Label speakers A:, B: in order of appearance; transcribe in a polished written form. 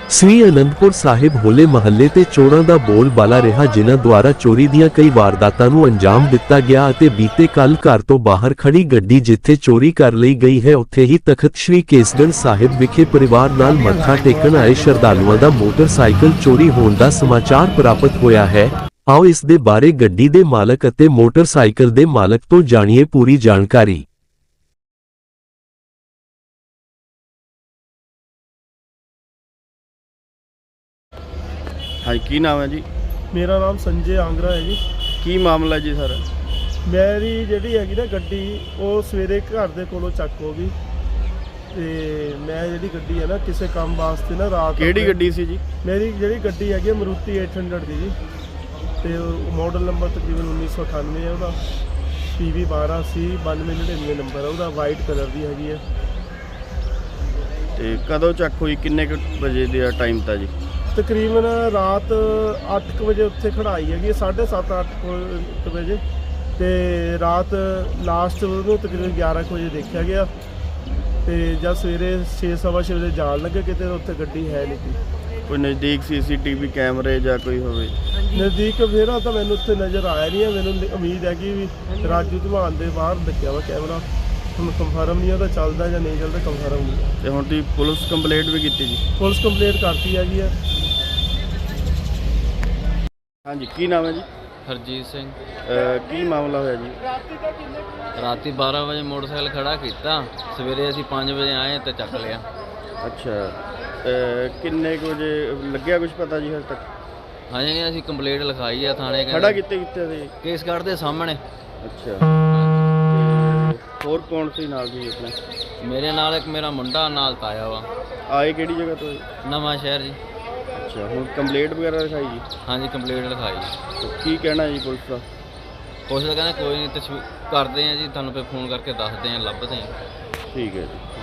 A: ਸ੍ਰੀ ਅਨੰਦਪੁਰ ਸਾਹਿਬ ਹੋਲੇ ਮਹੱਲੇ ਤੇ ਚੋਰਾਂ ਦਾ ਬੋਲਬਾਲਾ ਰਿਹਾ, ਜਿਨ੍ਹਾਂ ਦੁਆਰਾ ਚੋਰੀ ਦੀਆਂ ਕਈ ਵਾਰਦਾਤਾਂ ਨੂੰ ਅੰਜਾਮ ਦਿੱਤਾ ਗਿਆ ਅਤੇ ਬੀਤੇ ਕੱਲ ਘਰ ਤੋਂ ਬਾਹਰ ਖੜੀ ਗੱਡੀ ਜਿੱਥੇ ਚੋਰੀ ਕਰ ਲਈ ਗਈ ਹੈ, ਉੱਥੇ ਹੀ ਤਖਤ ਸ੍ਰੀ ਕੇਸਗੜ੍ਹ ਸਾਹਿਬ ਵਿਖੇ ਪਰਿਵਾਰ ਨਾਲ ਮੱਥਾ ਟੇਕਣ ਆਏ ਸ਼ਰਧਾਲੂਆਂ ਦਾ ਮੋਟਰਸਾਈਕਲ ਚੋਰੀ ਹੋਣ ਦਾ ਸਮਾਚਾਰ ਪ੍ਰਾਪਤ ਹੋਇਆ ਹੈ। ਆਓ ਇਸ ਦੇ ਬਾਰੇ ਗੱਡੀ ਦੇ ਮਾਲਕ ਅਤੇ ਮੋਟਰਸਾਈਕਲ ਦੇ ਮਾਲਕ ਤੋਂ ਜਾਣੀਏ ਪੂਰੀ ਜਾਣਕਾਰੀ।
B: हाँ की नाम है जी?
C: मेरा नाम संजय आंगरा है जी।
B: की मामला जी सर?
C: मेरी जी हैगी ना गड्डी वो सवेरे घर के कोलों चक हो गई ते मैं जी गड्डी है ना किसी काम वास्ते ना रात
B: केड़ी गड्डी सी जी?
C: मेरी जी गड्डी हैगी मारुति 800 की जी, तो मॉडल नंबर तकरीबन 1998 है, वह PV 12C 9299 नंबर है, वह वाइट कलर की हैगी है।
B: ते कदों चक हुई, किन्ने बजे का टाइम था जी?
C: तकरीबन रात 8 बजे उत्थे खड़ाई हैगी, 7:30-8 बजे, तो रात लास्ट में तकरीबन 11 बजे देखा गया, तो जब सवेरे 6-6:15 बजे जान लगे कितने उत्थे गड्डी है नहीं थी।
B: कोई नज़दीक CCTV कैमरे या कोई होवे?
C: नज़दीक फिर तो मैंने उत्थे नज़र आया नहीं है, मैंने उम्मीद है कि राजू धमान के बाहर लग्या वा कैमरा, हम कंफर्म नहीं है चलता या नहीं चलता, कंफर्म नहीं।
B: तो हुण तुसीं पुलिस कंप्लेंट भी की जी?
C: पुलिस कंप्लेंट करती हैगी है।
B: हाँ जी, की नाम है जी?
D: हरजीत सिंह।
B: की मामला होया जी?
D: राती 12 बजे मोटरसाइकिल खड़ा किया, सवेरे असीं 5 बजे आए तो चक लिया।
B: अच्छा, किन्ने बजे लग्या कुछ पता जी हज तक?
D: हाँ जी, असीं कंप्लेंट लिखाई है थाने।
B: खड़ा कितने सी?
D: केसगढ़ के सामने।
B: अच्छा, और कौन सी नाल जी अपने?
D: मेरे नाल एक मेरा मुंडा नाल ताया वा।
B: आए किहड़ी जगह तो?
D: नवां शहर जी।
B: अच्छा, हुण कंप्लेंट वगैरह लिखाई जी?
D: हाँ जी, कंप्लेंट लिखाई।
B: तो की कहना जी पुलिस का?
D: पुलिस कहने कोई नहीं, करते हैं जी, थानू फिर फोन करके दसते हैं, लभते हैं।
B: ठीक है जी।